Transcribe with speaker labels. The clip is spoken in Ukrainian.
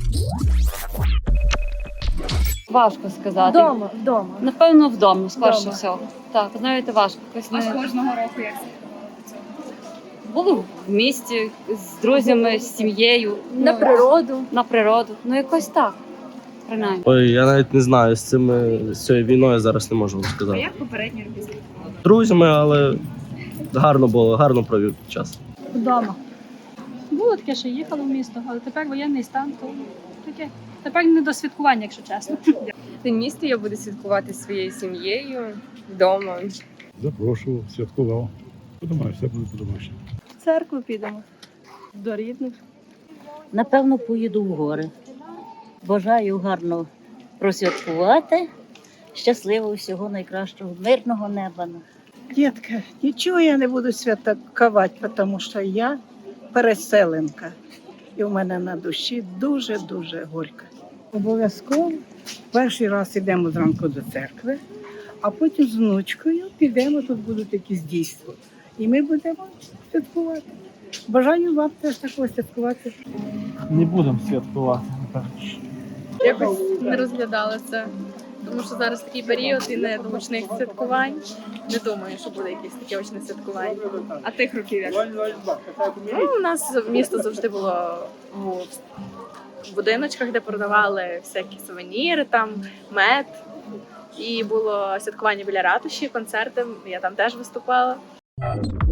Speaker 1: Важко сказати.
Speaker 2: Вдома.
Speaker 1: Напевно, вдома, скорше
Speaker 2: Вдома.
Speaker 1: всього. Так, знаєте, важко. Якось
Speaker 3: Аж
Speaker 1: не...
Speaker 3: кожного року як
Speaker 1: Було в місті з друзями, з сім'єю.
Speaker 2: На природу.
Speaker 1: На природу. Ну, якось так, принаймні.
Speaker 4: Ой, я навіть не знаю, з цією війною зараз не можу вам
Speaker 3: А
Speaker 4: сказати.
Speaker 3: як попередні роки святкували?
Speaker 4: Друзями, але гарно було, гарно провів час.
Speaker 5: Вдома. Було таке, що їхала в місто, але тепер воєнний стан, то таке. Тепер не до святкування, якщо чесно.
Speaker 6: В місті я буду святкувати зі своєю сім'єю вдома.
Speaker 7: Запрошував, святкував. Подумаю, все буде по-домашньому.
Speaker 2: В церкву підемо. До рідних.
Speaker 8: Напевно, поїду в гори. Бажаю гарно просвяткувати. Щасливого, всього найкращого, мирного неба.
Speaker 9: Дітка, нічого я не буду святкувати, тому що я переселенка. І в мене на душі дуже-дуже горько. Обов'язково перший раз йдемо зранку до церкви, а потім з внучкою підемо, тут будуть якісь дійства. І ми будемо святкувати. Бажаю вам теж такого святкувати.
Speaker 10: Не будемо святкувати, напевно.
Speaker 3: Якось не розглядала це, тому що зараз такий період і не до гучних святкувань. Не думаю, що буде якесь таке гучне святкування. А тих років як? Ну, у нас місто завжди було в будиночках, де продавали всякі сувеніри, там мед. І було святкування біля ратуші, концерти. Я там теж виступала.